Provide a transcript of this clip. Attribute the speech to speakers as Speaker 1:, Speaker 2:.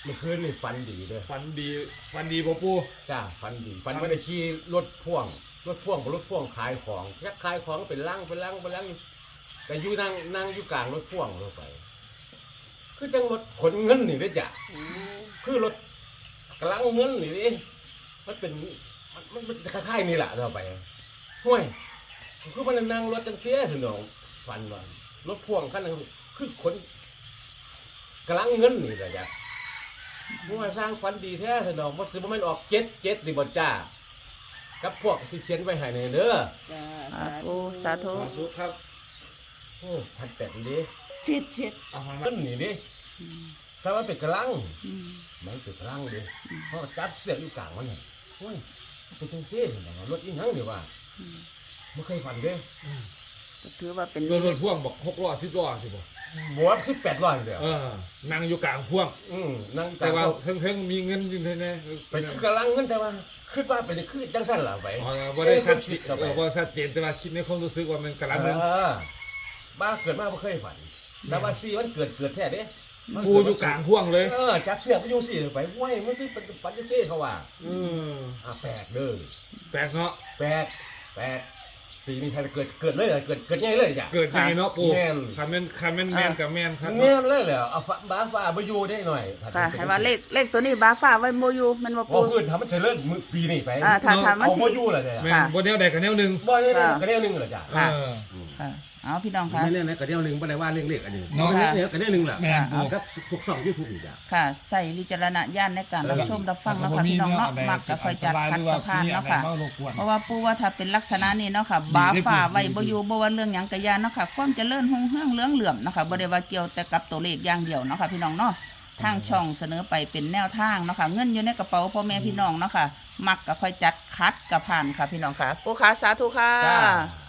Speaker 1: มื่อคืนนี่ฝันดีเลย
Speaker 2: ฝันดีบ่ปู
Speaker 1: จ้าฝันดีฝันว่าได้ขี่รถพ่วงขายของยักขายของเป็นลังอยู่แต่อยู่นั่งอยู่กลางรถพ่วงลงไป คือจังรถขนเงินนี่เด้อจ้ะคือรถกำลังเงินนี่ดิมันเป็นมันคล้ายๆนี่แหละเราไปห่วยคือมันนั่งรถจังเสียถึงน้องฝันว่ารถพ่วงคันนึงคือขนกำลังเงินนี่แหละจ้ะห่วยสร้างฝันดีแท้ถึงน้องมันสิบ่แม่นออกเจ็ดดิบ่จ้ากับพวกที่เขียนไว้ให้ในเด้อ
Speaker 3: จ้า
Speaker 4: ปูสาธุ
Speaker 2: สาธุครับ
Speaker 1: โอ้ทันแต่นดิ
Speaker 3: เจ็ด
Speaker 2: เอามา
Speaker 1: เงินนี่ดิถ้ามันเป็นกำลัง
Speaker 4: อืม
Speaker 1: มันเป็นกำลังดิเพราะจับเสียอยู่กลางมันนี่โอ้ยเป็นจังซี่ถึงน้องรถอีหยังนี่ว่า
Speaker 4: อืม
Speaker 1: ไม่เคยฝันเด้
Speaker 4: ก็ถือว่าเป็น
Speaker 2: รถพ่วงบอก6 ล้อ10 ล้อสิบ่
Speaker 1: บวช18ร้อยเดียว
Speaker 2: นั่งอยู่กลางพ่วง
Speaker 1: นั่ง
Speaker 2: แต่ว่าเพิ่งมีเงินอยู่แน่
Speaker 1: ไปคือกำลังเงินแต่ว่าคิดว่าเป็นคือจังสั้นล่ะไป
Speaker 2: บ่ได้ชัด
Speaker 1: คิดเข้าไป
Speaker 2: บ่ชัดเจนแต่ว่าคิดในความรู้สึกว่ามันกำลังเงิน
Speaker 1: บ้าเกิดมาไม่เคยฝัน แต่ว่าซีมันเกิดแท้เด้
Speaker 2: ปูอยู่กลางพ่วงเลย
Speaker 1: จับเสียบไปอยู่สิไปห้วยมันที่ฝันจะเท่เขาว่า แปลกเด้อ
Speaker 2: แปลกเนาะ
Speaker 1: แปลกปีนี้ใครเกิดเลยเกิดง่ายเลยจ้ะ
Speaker 2: เกิดยังไงเนาะปู
Speaker 1: แม่น
Speaker 2: คันแม่นกับแม่นครับ
Speaker 1: แง่เลยเหรอเอาบ้าฟ้าไปอยู่ได้หน่อย
Speaker 4: ค่ะให้ว่าเลขตัวนี้บาฟ้าไว้โมยูมันบ่
Speaker 1: พอ
Speaker 4: ปู
Speaker 1: พื้นทำมันจะเลิกปีนี้ไป
Speaker 4: ถ้ามัน
Speaker 1: เอา
Speaker 4: สิ
Speaker 1: โมยู่เหรอจ้ะ
Speaker 2: แม่นบ่แนวใดกับแนวหนึง
Speaker 1: บ่ได้กระเดียวนึงเหรอจ้ะ
Speaker 4: ค่ะ
Speaker 2: เออ
Speaker 4: เอาพี่น้องค่ะ
Speaker 5: ไม่เล่นนะกระเดียวหนึ่งไม่ได้ว่าเรื่องเล็กอันนี้
Speaker 2: เนาะ
Speaker 5: เล็กกระเดียวหนึ่งแหละ
Speaker 2: แม่น
Speaker 5: ครับพวกสองยูทูบอีกอ่ะ
Speaker 4: ค่ะใส่วิจารณญาณในการรับชมรับฟังเนาะค่ะพี่น้องเนาะมักก็ค่อยจัดคัดกับพานเนาะค่ะเพราะว่าปูว่าถ้าเป็นลักษณะนี้เนาะค่ะบาฟ้าไว้บ่อยู่บ่ว่าเรื่องหยังกะยานเนาะค่ะความเจริญรุ่งเรืองเหลืองเหลื่อมเนาะค่ะบ่ได้ว่าเกี่ยวแต่กับตัวเลขอย่างเดียวเนาะค่ะพี่น้องเนาะทางช่องเสนอไปเป็นแนวทางเนาะค่ะเงินอยู่ในกระเป๋าพ่อแม่พี่น้องเนาะค่ะมักก็ค่อยจัดคัดกับผ่านค่ะพี่น้องค่ะปูขาสาธุค่ะ
Speaker 1: จ้า